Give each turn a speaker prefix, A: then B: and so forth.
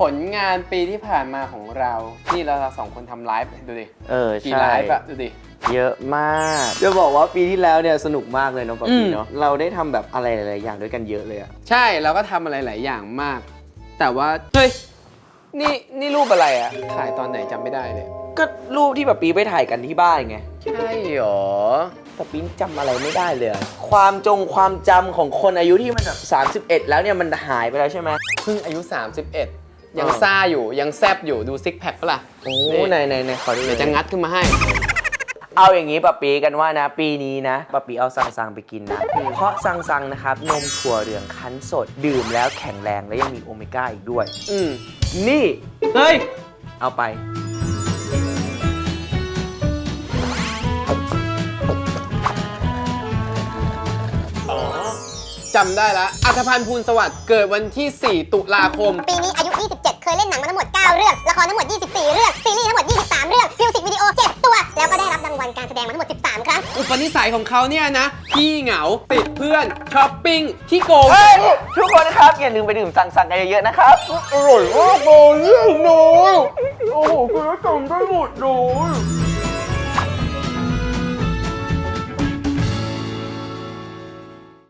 A: ผลงานปีที่ผ่านมาของเรานี่เราสองคนทำไลฟ์ดูดิกี่
B: ใช่
A: ไลฟ์อะดูดิ
B: เยอะมากจะบอกว่าปีที่แล้วเนี่ยสนุกมากเลยเนาะปะปีเนาะเราได้ทำแบบอะไรหลายๆอย่างด้วยกันเยอะเลยอะ
A: ใช่เราก็ทำอะไรหลายอย่างมาก แต่ว่าเฮ้ยนี่รูปอะไรอะถ่ายตอนไหนจำไม่ได้เลย
B: ก็รูปที่ปะปีไปถ่ายกันที่บ้านไง
A: ใช่หรอ
B: ปะปีจำอะไรไม่ได้เลยอะความจำของคนอายุที่มันแบบ31แล้วเนี่ยมันหายไปแล้วใช่ไหม
A: เพิ่งอายุ 31 ยังซ่าอยู่ยังแซบอยู่ดูซิกแพคปะล่ะ
B: โอ้ในขอดู
A: เดี๋ยวจะงัดขึ้นมาให้
B: เอาอย่างนี้ปะปีกันว่านะปีนี้นะปะปีเอาซังไปกินนะเพราะซังนะครับนมถั่วเหลืองคั้นสดดื่มแล้วแข็งแรงและยังมีโอเมก้าอีกด้วยนี่
A: เฮ้ย
B: เอาไป
A: จำได้ละอัธพันธ์ภูลสวัสดิ์เกิดวันที่ 4 ตุลาคม
C: ปีนี้อายุ 27 เคยเล่นหนังมาทั้งหมด 9 เรื่อง ละครทั้งหมด 24 เรื่อง ซีรีส์ทั้งหมด 23 เรื่อง มิวสิกวิดีโอ 7 ตัว แล้วก็ได้รับรางวัลการแสดงมาทั้งหมด 13 ครั้ง
A: อุปนิสัยของเขาเนี่ยนะขี้เหงาติดเพื่อนช้อปปิ้งขี้โกง
B: เฮ้ยทุกคนนะครับอย่าลืมไปดื่มซังกันเยอะๆนะครับ
A: อร่อยมากเลยเนี่ยน้อยโอ้โหคุณจำได้หมดเลย